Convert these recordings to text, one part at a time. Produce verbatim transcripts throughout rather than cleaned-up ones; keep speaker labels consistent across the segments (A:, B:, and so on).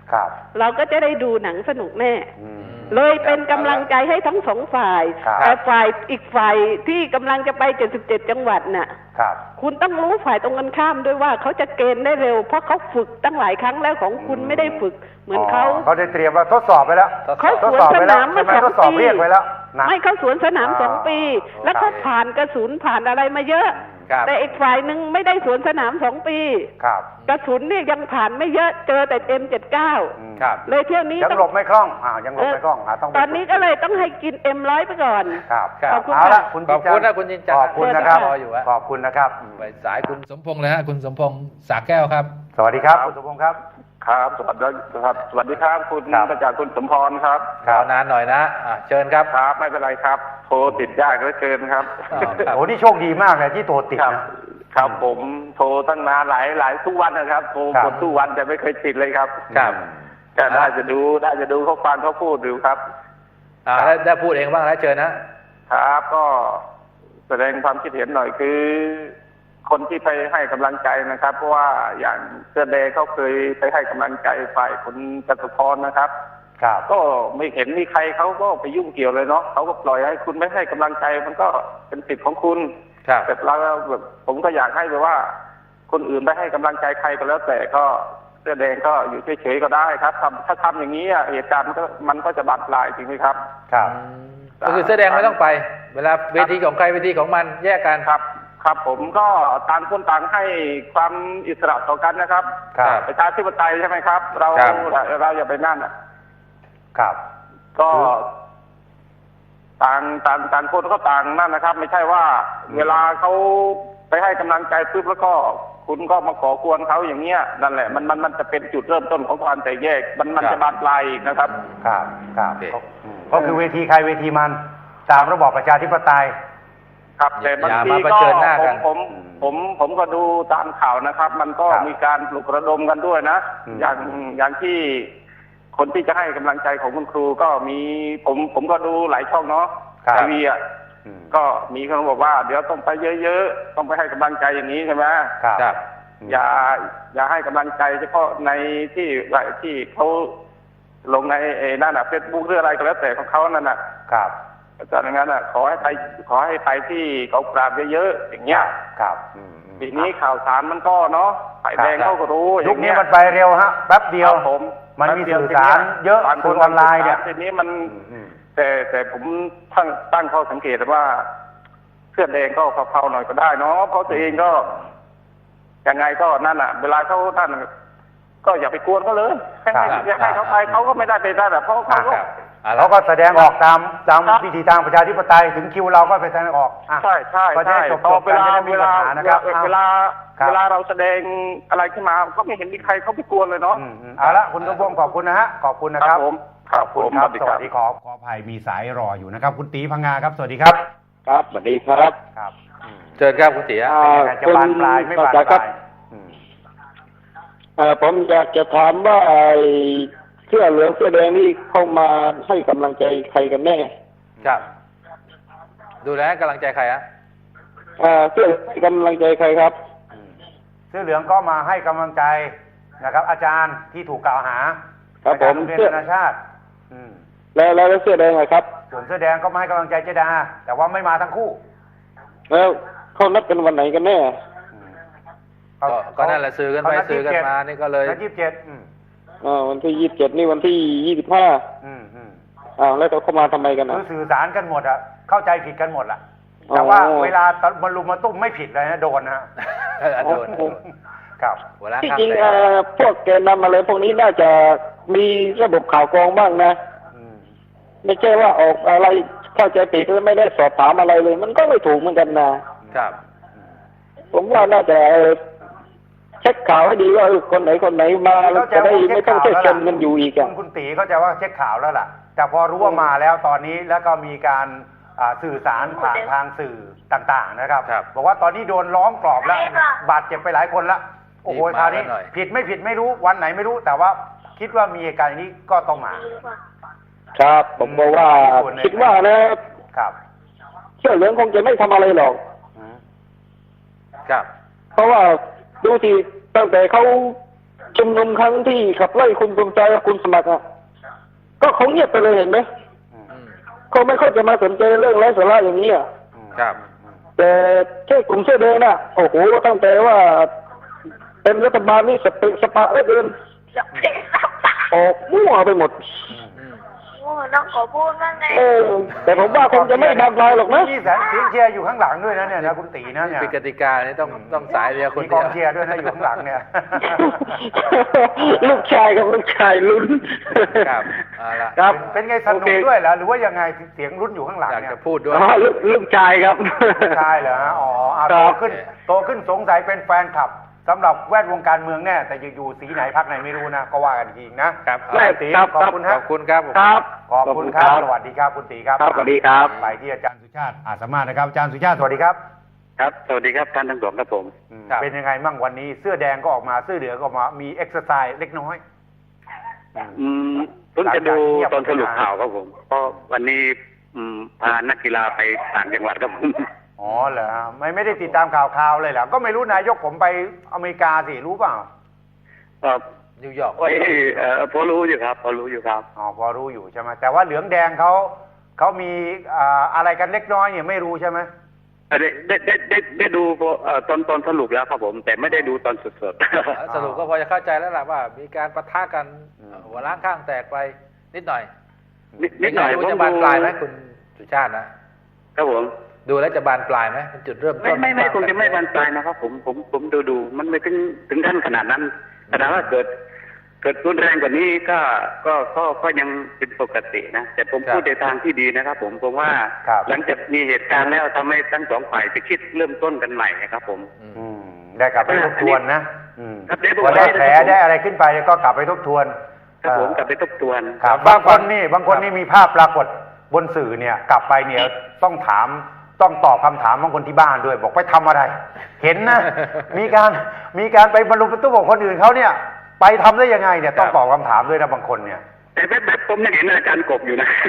A: ครับ
B: เราก็จะได้ดูหนังสนุกแน่เลยเป็นกำลังใจให้ทั้งสองฝ่ายแต่ฝ่ายอีกฝ่ายที่กำลังจะไปเจ็ดสิบเจ็ดจังหวัดน่ะ
A: ครับ
B: คุณต้องรู้ฝ่ายตรงกันข้ามด้วยว่าเขาจะเกณฑ์ได้เร็วเพราะเขาฝึกตั้งหลายครั้งแล้วของคุณไม่ได้ฝึกเหมือนเขา
A: เขาได้เตรียมว่าทดสอบไปแล้ว
B: เขาสวนสนามมาสองปีไม่เขาสวนสนามสองปีแล้วเขาผ่านกระสุนผ่านอะไรมาเยอะแต่อีกฝ่ายหนึ่งไม่ได้สวนสนามสองปีกระสุนเนี่ยยังผ่านไม่เยอะเจอแต่เอ็มเจ็ดเก้าเลยเที่ยวนี้
A: ยังหลบไม่คล่องอ่ายังหลบไม่คล่องต้อง
B: ตอนนี้ก็เลยต้องให้กินเอ็มร้อยไปก่อน
A: ครับ
B: ขอบคุณ
A: ค่ะ
C: ขอบคุณนะคุณจินจันทร์
A: ขอบคุณนะครับขอบคุณนะครับ
C: ไปสายคุณสมพงษ์เลยฮะคุณสมพงษ์สาแก้วครับ
A: สวัสดีครับคุณสมพงษ์ครับ
D: ครับสวัสดีครับสวัสดีครับคุณประจักษ์คุณสมพรครับ
C: รอนานหน่อยนะเชิญครับ
D: ครับไม่เป็นไรครับโทรติดยากเหลือเกินครับ
A: โอ้นี่โชคดีมากเลยที่โทรติด
D: นะครับผมโทรตั้งนานหลายหลายทุกวันนะครับโทรกดทุกวันแต่ไม่เคยติดเลยครับ
C: ครับ
D: ก็ได้จะดูได้จะดูเขาฟังเขาพูดดูครับ
C: อ่าได้พูดเองบ้างแล้วเชิญนะครับ
D: ก็แสดงความคิดเห็นหน่อยคือคนที่ไปให้กำลังใจนะครับเพราะว่าอย่างเสื้อแดงเขาเคยไปให้กำลังใจฝ่ายคุณจตุพรนะครับก็ไม่เห็นมีใครเขาก็ไปยุ่งเกี่ยวเลยเนาะเขาก็ปล่อยให้คุณไม่ให้กำลังใจมันก็เป็นสิทธิ์ของคุณแต่เราแบบผมก็อยากให้แบบว่าคนอื่นไปให้กำลังใจใครก็แล้วแต่ก็เสื้อแดงก็อยู่เฉยๆก็ได้ครับทำถ้าทำอย่างนี้เหตุการณ์มันก็มันก็จะบานปลายจริงไหมครับ
A: ครับ
C: ก็คือเสื้อแดงไม่ต้องไปเวลาเวทีของใครเวทีของมันแยกกัน
D: ครับครับผมก็ต่างคนต่างให้ความอิสระต่อกันนะครับประชาธิปไตยใช่ไหมครับเราเราอย่าไปนั่นอ่ะ
A: ครับ
D: ก็ต่างต่างต่างคนก็ต่างนั่นนะครับไม่ใช่ว่าเวลาเขาไปให้กำลังใจปุ๊บแล้วก็คุณก็มาขอควรเขาอย่างเงี้ยนั่นแหละมันมันมันจะเป็นจุดเริ่มต้นของความแตกแยกมันมันจะบานปลายนะครับ
A: ครับครับก็คือเวทีใครเวทีมันตามระบอบประชาธิปไตย
D: ครับแต่บางทีก็ผมผมผมผมก็ดูตามข่าวนะครับมันก็มีการปลุกระดมกันด้วยนะอย่างอย่างที่คนที่จะให้กำลังใจของคุณครูก็มีผมผมก็ดูหลายช่องเนาะทีวีอ่ะก็มีคนบอกว่าเดี๋ยวต้องไปเยอะๆต้องไปให้กำลังใจอย่างนี้ใช่ไหม
A: ครับ
D: อย่าอย่าให้กำลังใจเฉพาะในที่ที่เขาลงในนั่นน่ะเฟซบุ๊กหรืออะไรก็แล้วแต่ของเขานั่นน่ะ
A: ครับ
D: จากนั้นอ่ะขอให้ไปขอให้ไปที่กองปราบเยอะๆอย่างเงี้ย
A: ครับ
D: ทีนี้ข่าวสารมันก็เนาะฝ่ายแดงเขาก็รู้
A: ยุคนี้มันไปเร็วฮะแป๊บเดียว
D: ผม
A: มันมีสื่อสารเยอะสื่อออนไลน์เนี่ย
D: ทีนี้มันแต่แต่ผมตั้งตั้งข้อสังเกตว่าเสื้อแดงก็เผาๆหน่อยก็ได้เนาะเพราะตัวเองก็ยังไงก็นั่นอ่ะเวลาเขาท่านก็อย่าไปกวนเขาเลยให้ให้เขาไปเขาก็ไม่ได้ไปได้แบบเพราะเขาก็
A: เขาก็แสดงออกตามตามวิธีทางประชาธิปไตยถึงคิวเราก็ไปแสดงออก
D: ใช่ใช่ใช่พอเวลาเวลาเวลาเวลาเราแสดงอะไรขึ้นมาก็ไม่เห็นมีใครเขาไปกวนเลยเนาะ
A: เอาละคุณสมพงษ์ขอบคุณนะฮะขอบคุณนะครับ
D: ผม
A: ขอบคุณครับสวัสดีขอขออภัยมีสายรออยู่นะครับคุณตีพังงาครับสวัสดีครับ
D: ครับสวัสดีครับ
A: ครับ
C: เชิญครับคุณตี
A: จะบานปลายไม่บานปลาย
E: ผมอยากจะถามว่าเสื้อเหลืองเสื้อแดงนี่เข้ามาให้กำลังใจใครกันแน่
C: ครับดูแลกำลังใจใครอะ
E: เสื้อให้กำลังใจใครครับ
A: เสื้อเหลืองก็มาให้กำลังใจนะครับอาจารย์ที่ถูกกล่าวหา
E: ครับผม
A: เสื้อนานาชาติ
E: แล้วแล้วเสื้อแดงไงครับ
A: ส่วนเสื้อแดงก็มาให้กำลังใจเจดาแต่ว่าไม่มาทั้งคู่
E: แล้วเขานัดกันวันไหนกันแน่
C: ก็นั่นแหละซื้อกันไปซื้อกันมานี่ก็เลย
A: ยี่สิบเจ็ด
E: อ่าวันที่ยี่สิบเจ็ดนี่วันที่ยี่สิบห้า
A: อืมอืม
E: อ่าแล้วเขามาทำไมกันนะ
A: คือสื่อสารกันหมดอ่ะเข้าใจผิดกันหมดล่ะแต่ว่าเวลามาลุมมาตุ้มไม่ผิดเลยนะโดนนะ
C: โดน
A: ครับ
E: ที่จริงพวกแกนำอะไรพวกนี้น่าจะมีระบบข่าวกรองบ้างนะไม่ใช่ว่าออกอะไรเข้าใจผิดแล้วไม่ได้สอบถามอะไรเลยมันก็ไม่ถูกเหมือนกันนะครับผมว่าน่าจะเช็คข่าวให้ดีว่าคนไหนคนไหนมาจะได้ไม่ต้องเช็คกันมันอยู่อีกอ่ะ
A: คุณตีเข้าใจว่าเช็คข่าวแล้วล่ะแต่พอรู้ว่ามาแล้วตอนนี้แล้วก็มีการสื่อสารผ่านทางสื่อต่างๆนะครับบอกว่าตอนนี้โดนล้อมกรอบแล้วบาดเจ็บไปหลายคนแล้วโอ้โหคราวนี้ผิดไม่ผิดไม่รู้วันไหนไม่รู้แต่ว่าคิดว่ามีเหตุการณ์นี้ก็ต้องมา
E: ครับผมบอกว่าคิดว่านะครับเสื้อเหลืองคงจะไม่ทำอะไรหรอก
C: ครับ
E: เพราะว่าดูทีตั้งแต่เขาชุมนุมครั้งที่ขับไล่คุณภูมิใจกับคุณสมัครอ่ะก็เขาเงียบไปเลยเห็นไหมเขาไม่ค่อยจะมาสนใจเรื่องไร้สาระอย่างนี้อ่ะ
C: ครับ
E: แต่แค่กลุ่มเสื้อแดงน่ะโอ้โหตั้งแต่ว่าเป็นรัฐบาลนี่สเปะสปะแล้วเดินออกมั่วไปหมด
F: น้องขอพูดบ้างไง
E: เออแต่ผมว่าคงจะไม่บานปลายหรอกนะ
A: มีแสงเสียงเชียร์อยู่ข้างหลังด้วยนะเนี่ยนะคุณตีนะเนี่ย
C: เป็นกติกาเนี่ยต้องต้องสายเดียวคน
A: มีก
C: เดีย
A: อ
C: ว
A: งเชียร์ด้วยนะอยู่ข้างหลังเนี่ย
E: ลูกชายกับลูกชายลุ้น
C: ครับเอาละ
E: ครับ
A: เป็นไงสนุกด้วยเหรอหรือว่ายังไงเสียงลุ้นอยู่ข้างหลัง
C: อยาก
A: เนี่ย
C: จะพูดด้วย
E: อ๋อลูกลูกชายครับ
A: ลูกชายเหรอฮะอ๋ออ่ะโตขึ้นโตขึ้นสงสัยเป็นแฟนคลับสำหรับแวดวงการเมืองแน่แต่อยู่สีไหนพรรคไหนไม่รู้นะก็ว่ากันจริงนะครับตีขอบคุณฮะ
C: ขอบคุณครับ
E: ครับ
A: ขอบคุณครับสวัสดีครับคุณตีครับ
E: ครับสวัสดีครับ
A: ไปที่อาจารย์สุชาติอาสามารถนะครับอาจารย์สุชาติสวัสดีครับ
G: ครับสวัสดีครับท่านทั้งสองครับผม
A: เป็นยังไงมั่งวันนี้เสื้อแดงก็ออกมาเสื้อเหลืองก็ออกมามีเอ็กซ์ไซส์เล็กน้อย
G: อืมผมจะดูตอนสรุปข่าวครับผมเพราะวันนี้อืมพานักกีฬาไปต่างจังหวัดครับผม
A: อ๋อเหรอไม่ไม่ได้ติดตามข่าวข่าวเลยเหรอก็ไม่รู้นายกผมไปอเมริกาสิรู้เปล่า
G: ครับ
C: นิวยอร์ก
G: โอ้ยเอ่อพอรู้อยู่ครับพอรู้อยู่ครับ
A: อ๋อพอรู้อยู่ใช่ไหมแต่ว่าเหลืองแดงเขาเขามีอ่าอะไรกันเล็กน้อยเนี่ยไม่รู้ใช่ไหม
G: ได้ได้ได้ได้ได้ดูตอนตอนสรุปแล้วครับผมแต่ไม่ได้ดูตอนสดสด
C: สรุปก็พอจะเข้าใจแล้วล่ะว่ามีการปะทะกันหัวล้างข้างแตกไปนิดหน่อย
G: นิดหน่อย
C: ว่าจะบานปลายไหมคุณสุชาติ
G: นะครับผม
C: ดูแล้วจะบานปลายไหมเป็นจุดเริ่มต้น
G: ไม่ไม่ไม่คงจะไม่บานปลายนะครับผมผมผมดูดูมันไม่ถึงถึงขั้นขนาดนั้นขนาดว่าเกิดเกิดรุนแรงกว่านี้ก็ก็ก็ก็ยังเป็นปกตินะแต่ผมพูดในทางที่ดีนะครับผมผมว่าหลังจากมีเหตุการณ์แล้วทำให้ทั้งสองฝ่ายไปคิดเริ่มต้นกันใหม่นะครับผม
A: ได้กลับไปทบทวนนะพอได้แผลได้อะไรขึ้นไปก็กลับไปทบทวน
G: ครับผมกลับไปทบทวน
A: บางคนนี่บางคนนี่มีภาพปรากฏบนสื่อเนี่ยกลับไปเนี่ยต้องถามต้องตอบคำถามบางคนที่บ้านด้วยบอกไปทำอะไรเห็นนะมีการมีการไปบรรลุประตูของคนอื่นเขาเนี่ยไปทำได้ยังไงเนี่ยต้องตอบคำถามด้วยนะบางคนเนี่ย
G: แต่แบบผมยังเห็นอาจารย์กบอยู่นะ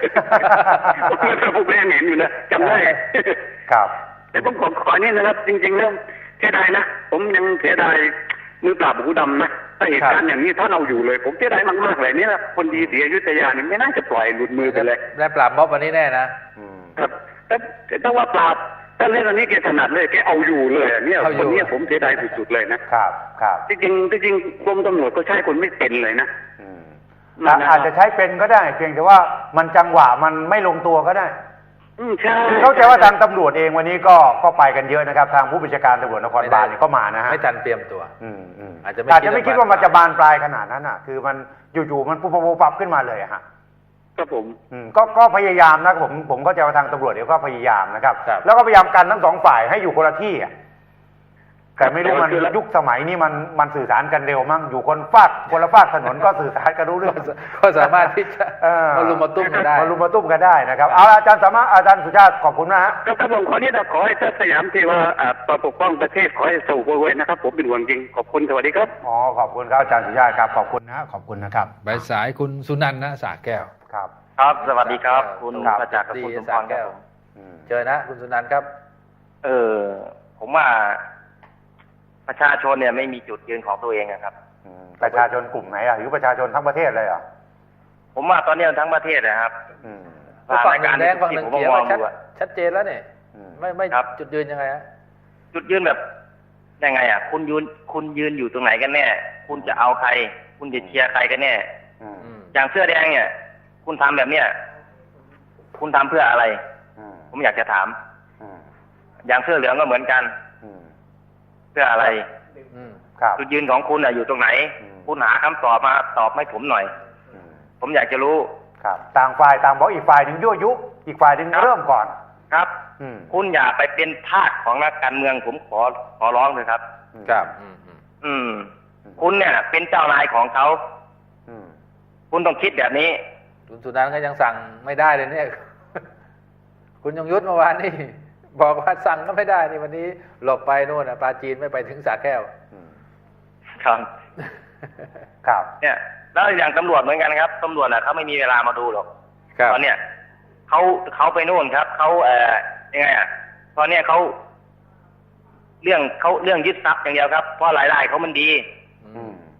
G: ผมยังเห็นอยู่นะจำได้
A: ครับ
G: แต่ผมขอขอนี่นะครับจริงๆเรื่องเสียดายนะผมยังเสียดายมือปราบหูดำนะถ้าเหตุการณ์อย่างนี้ถ้าเราอยู่เลยผมเสียดายมากๆเลยนี่แหละคนดีเสียอยุธยานี่ไม่น่าจะปล่อยหลุดมือไปเลย
C: และปราบม็อบวันนี้แน่นะครับ
G: แต่ถ้าว่าปราบถ้าเล่นอันนี้แกถนัดเลยแกเอาอยู่เลยเนี่ยคนนี้ผมเสียดายสุดๆเลยนะครับ
A: ครับ
G: จริงๆจริงกรมตำรวจก็ใช้คนไม่เป็นเลยนะ
A: อาจจะใช้เป็นก็ได้เพียงแต่ว่ามันจังหวะมันไม่ลงตัวก็ได้
G: อืมใช่
A: เข้าใจว่าทางตำรวจเองวันนี้ก็ก็ไปกันเยอะนะครับทางผู้บัญชาการตำรวจนครบาลเนี่ยก็มานะฮะ
C: ไม่ทันเตรียมตัว
A: อืมอืม
C: อาจจะ
A: อาจจะไม่คิดว่ามันจะบานปลายขนาดนั้นอ่ะคือมันอยู่ๆมันปุ๊บปุ๊บปั๊บขึ้นมาเลยฮะ
G: ครับผม
A: อืมก็ก็พยายามนะผมผมเข้าใจว่าทางตำรวจเดี๋ยวก็พยายามนะครับแล้วก็พยายามกันทั้งสองฝ่ายให้อยู่คนละที่อ่ะแต่ไม่รู้มันยุคสมัยนี้มันมันสื่อสารกันเร็วมั้งอยู่คนฟากคนละฟากถนนก็สื่อสารกันรู้เรื่อง
C: ก็สามารถที่จะมาลุมมาตุ้มกันได้
A: มาลุมมาตุ้มกันได้นะครับเอาอาจารย์สามารถอาจารย์สุชาติขอบคุณนะฮะ
G: ครับผมขอนี้นะขอให้ท่านสยามที่ว่าปกป้องประเทศขอให้สู้ไว้นะครับผมเป็นห่วงจริงขอบคุณสวัสดีครับ
A: อ๋อขอบคุณครับอาจารย์สุชาติครับขอบคุณนะขอบคุณนะครับ
C: ใบสายคุณสุนันท์นะสาแก้ว
A: ครับ
G: ครับสวัสดีครับคุณประจักษ์กับคุณสมพรครับ
C: เจอนะคุณสุนันท์ครับ
G: เออผมว่าประชาชนเนี่ยไม่มีจุดยืนของตัวเองนะครับ
A: ประชาชนกลุ่มไหนอ่ะหรือประชาชนทั้งประเทศเลยเหรอ
G: ผมว่าตอนนี้ทั้งประเทศนะครับ
C: ฝั่งแดงฝั่งหนึ่งเขียวชัดเจนแล้วเนี่ยไม่ไม่จุดยืนยังไงฮะ
G: จุดยืนแบบยังไงอ่ะคุณยืนคุณยืนอยู่ตรงไหนกันแน่คุณจะเอาใครคุณจะเชียร์ใครกันแน่อย่างเสื้อแดงเนี่ยคุณทำแบบเนี้ยคุณทำเพื่ออะไรผมอยากจะถามอย่างเสื้อเหลืองก็เหมือนกันเพื่ออะไรจุดยืนของคุณอยู่ตรงไหนคุณหาคำตอบมาตอบให้ผมหน่อยผมอยากจะรู้
A: ครับต่างฝ่ายต่างบอกอีกฝ่ายหนึ่งยั่วยุอีกฝ่ายหนึ่งเริ่มก่อน
G: ครับคุณอย่าไปเป็นทาสของนักการเมืองผมขอขอร้องเลยครับ
C: ครับ
G: อืมคุณเนี่ยเป็นเจ้านายของเขาคุณต้องคิดแบบนี้
C: คุณสุนันท์ก็ยังสั่งไม่ได้เลยเนี่ยคุณยงยุทธเมื่อวานนี่บอกว่าสั่งก็ไม่ได้นี่วันนี้หลบไปโน่นนะปาจีนไม่ไปถึงสระแก้ว
G: ครับครับเนี่ยแล้วอย่างตำรวจเหมือนกันครับตำรวจน่ะเขาไม่มีเวลามาดูหรอกตอนเนี้ยเขาเขาไปโน่นครับเขาเอ่อยังไงอ่ะตอนเนี้ยเขาเรื่องเขาเรื่องยึดทรัพย์อย่างเดียวครับเพราะรายได้เขามันดี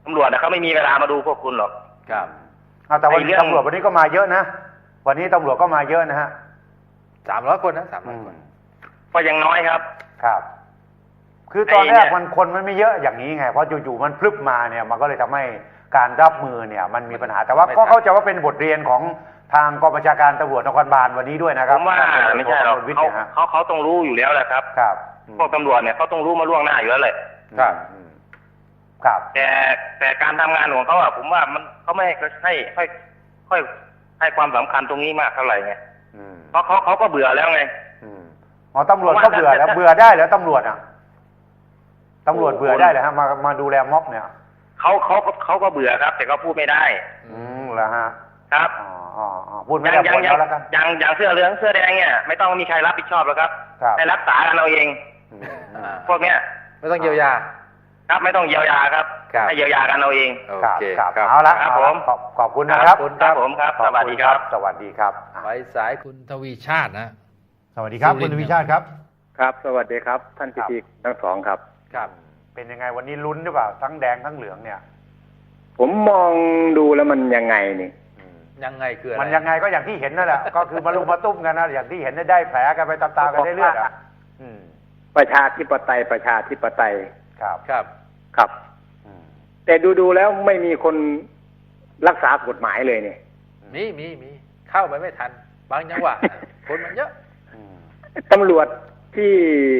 G: ตำรวจนะเขาไม่มีเวลามาดูพวกคุณหรอก
C: ครับ
A: เอาแต่วัน
G: ไอ้
A: นี้
G: เรื่อง
A: ตำรวจวันนี้ก็มาเยอะนะ วันนี้ตำรวจก็มาเยอะนะฮะ
C: สามร้อยคนนะสามร้อยคน
G: ก็ยังน้อยครับ
A: ครับ คือตอนแร
G: ไอ้เนี่
A: ก
G: ย
A: มันคนมันไม่เยอะอย่างนี้ไง เพราะอยู่ๆมันพลึบมาเนี่ยมันก็เลยทำให้การรับมือเนี่ยมันมีปัญหา แต่ว่าก็เข้าใจว่าเป็นบทเรียนของทางกองบัญชาการตำรวจนครบาลวันนี้ด้วยนะค
G: ผ
A: รับ
G: มว่าไม่ใช่หรอก
A: ท่านวิท
G: เขา
A: ย์เนี่ยฮะ
G: เขาเขาต้องรู้อยู่แล้วแหละครับ
A: ครับ
G: พวกตำรวจเนี่ยเขาต้องรู้มาล่วงหน้าอยู่แล้วแหละ
C: ครับ
A: อืมครับ
G: แต่แต่การทำงานของเขาอะผมว่ามันเขาไม่ให้ให้ค่อยให้ความสำคัญตรงนี้มากเท่าไหร่ไง
A: อืม
G: เพราะเขาเขาก็เบื่อแล้วไง
A: อืมอ๋อตำรวจก็เบื่อแล้วเบื่อได้เหรอตำรวจอ่ะตำรวจเบื่อได้เหรอฮะมามาดูแลม็อบเนี่ย
G: เขาเขาเขาก็เบื่อครับ แต่เขาพูดไม่ได้
A: อืมแล้วฮะ
G: ครับ
A: อ๋ออ๋ออ๋อพูด
G: อ
A: ไม่
G: ย่าง
A: ได้
G: อย่า
A: ผ
G: ง
A: ล
G: อย่าง
A: แล้วกัน
G: อย่างอย่างเสื้อเหลืองเสื้อแดงเนี่ยไม่ต้องมีใครรับผิดชอบหรอกครับ
A: ครับ
G: ให้รักษากันเอาเอง
A: อืม
C: อ่า
G: พวกเนี้ย
C: ไม่ต้องเยียวยา
G: ครับไม่ต้องเยียวยาครับ
C: ครับ
G: ให้เยียวยากันเอาเอง
C: โอ
A: ครับ
C: เค
A: ครับ
C: ครับ
A: เอาละ
G: ครับ
A: เอาละ
G: ผม
A: ขอบขอบคุณนะครับ
C: ขอบคุณ
G: ครับผมครับ
A: ข
G: ส
A: อบ
G: วัส
A: คุ
G: ดี
A: ณ
G: ครับ
A: สวัสดีครับ
C: ไว้สายคุณทวีชาตินะ
A: สวัสดีครับ
C: สุริ
A: คุ
C: น
A: ณ
C: ทร์
A: วิชาติครับ
E: ครับ สวัสดีครับ ท่านพิธีทั้งสองครับ
C: ครับ
A: เป็นยังไงวันนี้ลุ้นหรือเปล่าทั้งแดงทั้งเหลืองเนี่ย
E: ผมมองดูแล้วมันยังไงนี่
A: อืม
C: ยังไงคืออะไร
A: มันยังไงก็อย่างที่เห็นนั่นแหละ ก็คือมาลุมมาตุ้มกันนะอย่างที่เห็นได้แผลกันไปตามๆกันได้เลือดอ่ะอืม
E: ประชาธิปไตยประชาธิปไตย
A: ครับ
C: ครับ
E: ครับ
A: อืม
E: แต่ดูดูๆแล้วไม่มีคนรักษากฎหมายเลยเนี่ย
C: มีมีมีเข้าไปไม่ทัน บางจังหวะ คนมันเยอะ
A: อืม
E: ตำรวจที่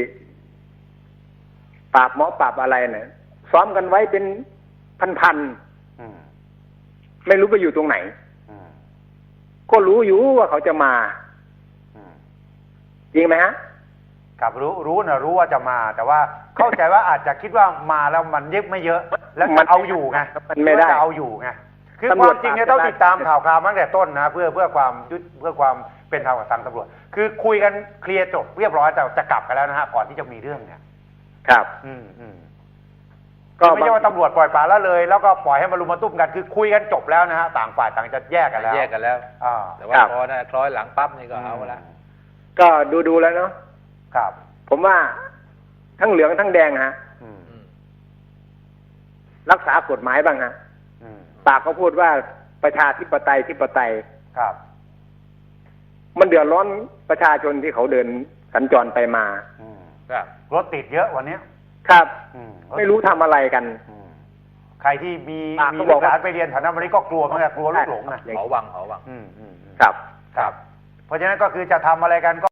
E: ปราบหมอปราบอะไรเนี่ยซ้อมกันไว้เป็นพัน
A: อืม
E: ๆไม่รู้ไปอยู่ตรงไหน
A: อืม
E: ก็รู้อยู่ว่าเขาจะมา
A: อืม
E: จริงไหมฮะ
A: ครับรู้รู้นะรู้ว่าจะมา แต่ว่าเข้าใจว่าอาจจะคิดว่ามาแล้วมันเย็บไม่เยอะ แล้ว
E: มั
A: จะ
E: น
A: เอาอยู่ไง
E: มันไม่ได้
A: จะเอาอยู่ไงคือค
E: ตำรว
A: วา
E: จ
A: มจริงเนี่ย
E: ปราบ
A: ต้อง
E: ได้
A: ติดตามข่าวคราวมาตั้งแต่ต้นนะเพื่อเพื่อความยุติเพื่อความเป็นธรรมกับทางตำรวจ คือคุยกันเคลียร์จบเรียบร้อยแต่จะกลับกันแล้วนะฮะก่อนที่จะมีเรื่องเนี่ย
E: ครับ
A: อืมอืม
E: ก็
A: ไม่ใช่ว่าตำรวจปล่อยปละละเลย แล้วก็ปล่อยให้มารุมมาตุ้มกันคือคุยกันจบแล้วนะฮะต่างฝ่ายต่างจะแยกกันแล้ว
C: แยกกันแล้ว
A: อ่า
C: แต่ว่าพอนะคล้อยหลังปั๊บนี่ก็เอาละ
E: ก็ดูดูๆแล้วเนาะ
A: ครับ
E: ผมว่าทั้งเหลืองทั้งแดงฮะ
A: อืม
C: อืม
E: รักษากฎหมายบ้างฮะ
A: อืม
E: ปากเขาพูดว่าประชาธิปไตยธิปไตย
A: ครับ
E: มันเดือดร้อนประชาชนที่เขาเดินสัญจรไปมา
A: อืม
C: ครับ
A: รถติดเยอะวันเนี้ย
E: ครับ
A: อืม
E: ไม่รู้ทำอะไรกัน
A: อืมใครที่มี
E: อ่ะ
A: มี
E: เขาบ
A: ลู
E: อก
A: กหลาน
E: ว่า
A: ไปเรียนแถวนั้นวันนี้ก็กลัวเหมือนกันกลัวลูกหลงนะ
C: หอวังหอวัง
A: อืมอืมอืม
E: ครับ
A: ครับ เพราะฉะนั้นก็คือจะทำอะไรกันก็